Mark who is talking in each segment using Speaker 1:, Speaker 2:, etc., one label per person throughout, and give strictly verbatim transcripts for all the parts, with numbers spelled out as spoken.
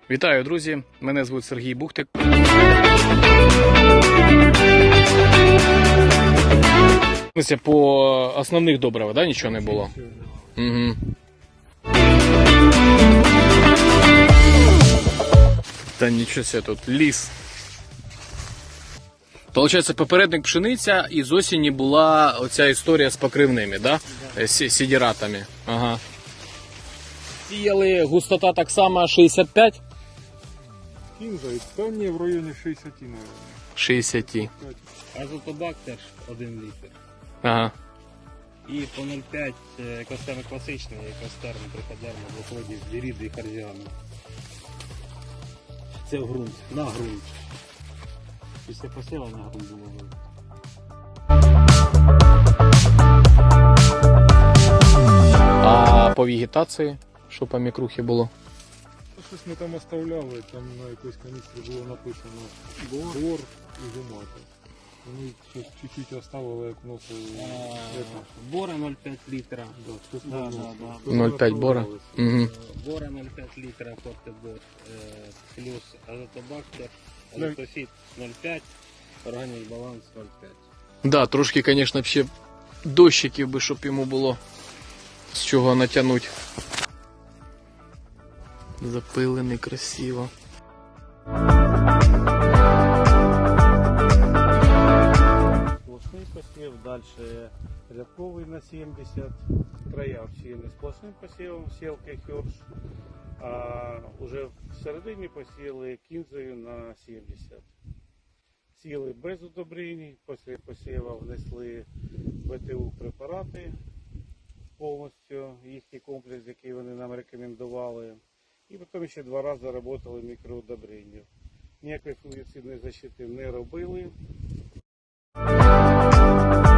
Speaker 1: Вітаю, друзі! Мене звуть Сергій Бухтик. По основних добривах, да, нічого не було? Угу. Та нічого себе, тут ліс. Получається, попередник пшениця, і з осені була оця історія з покривними, да? Да. З сідіратами. Ага. Сіяли, густота так само шістдесят п'ять?
Speaker 2: Кінза, та ні, в районі шістдесят, мабуть.
Speaker 1: шістдесят.
Speaker 3: Азотобак теж один літр.
Speaker 1: Ага.
Speaker 3: І по нуль п'ять екостерн класичний, екостерн триходерм, виходить з віріди і харзіану. Це в ґрунт, на ґрунт. Після посіва на ґрунт було видно.
Speaker 1: А по вегетації, що по мікрухі було?
Speaker 2: Щось ми там оставляли, там на якоїсь каністрі було написано бор і гумата. Вони щось чуть-чуть оставили, як вносили.
Speaker 3: Бора нуль п'ять літра.
Speaker 2: Да,
Speaker 3: Да, да, да.
Speaker 1: нуль п'ять бора. Угу.
Speaker 3: Бора нуль п'ять літра, фортебор, плюс азотобактер, азотофіт нуль п'ять, органік баланс нуль п'ять.
Speaker 1: Да, трошки, звісно, ще дощиків би, щоб йому було з чого натягнути. Запилений красиво.
Speaker 4: Сплошний посів, далі рядковий на сімдесят, края всіяні сплошним посівом, сілки хьорш, а вже всередині посіяли кінзою на сімдесят. Сіли без удобрень, після посіву внесли БТУ препарати, повністю їхній комплекс, який вони нам рекомендували. І потім ще два рази працювали мікроудобрення. Ніякої фунгіцидної защити не робили.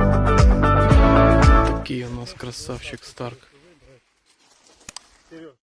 Speaker 1: Такий у нас красавчик Старк.